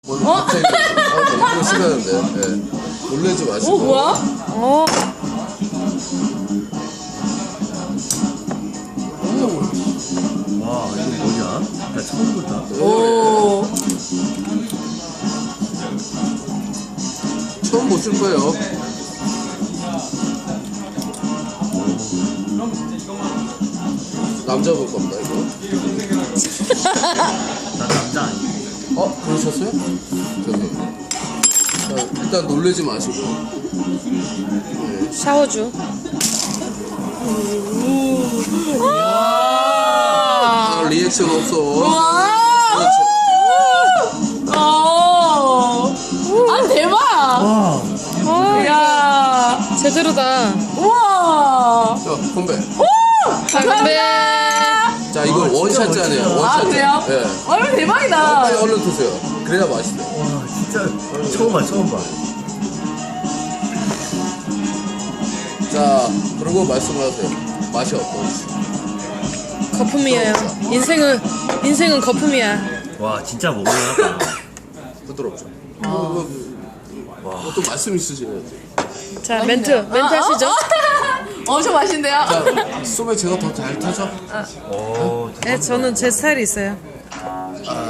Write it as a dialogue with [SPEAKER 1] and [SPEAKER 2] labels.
[SPEAKER 1] 오늘 갑자기 너무 싫어하는데. 네. 놀라지 마시고.
[SPEAKER 2] 뭐야?
[SPEAKER 3] 와, 이거 뭐냐? 나 처음 본다.
[SPEAKER 2] 오.
[SPEAKER 1] 처음 보실 거예요. 남자 볼 겁니다 이거.
[SPEAKER 3] 나 남자 아니야.
[SPEAKER 1] 그러셨어요? 저기. 자, 일단 놀라지 마시고.
[SPEAKER 2] 샤워주.
[SPEAKER 1] 리액션 없어.
[SPEAKER 2] 그렇죠. 아 대박. 야 제대로다. 우와.
[SPEAKER 1] 자, 건배.
[SPEAKER 2] 감사합니다.
[SPEAKER 1] 자, 이거 원샷잔이에요.
[SPEAKER 2] 아
[SPEAKER 1] 원샷잔.
[SPEAKER 2] 그래요?
[SPEAKER 1] 예.
[SPEAKER 2] 이거 대박이다.
[SPEAKER 1] 빨리 얼른 드세요. 그래야 맛있어요.
[SPEAKER 3] 와, 진짜 처음 봐, 처음 봐.
[SPEAKER 1] 자, 그리고 말씀을 하세요. 맛이 어떤지.
[SPEAKER 2] 거품이에요. 인생은 거품이야.
[SPEAKER 3] 와, 진짜 먹을만하다.
[SPEAKER 1] 부드럽죠. 또 말씀 있으시네요.
[SPEAKER 2] 자 멘트 하시죠.
[SPEAKER 4] 엄청 맛있는데요?
[SPEAKER 1] 자, 소매 제가 더 잘 타죠?
[SPEAKER 3] 오,
[SPEAKER 2] 네 저는 제 스타일이 있어요.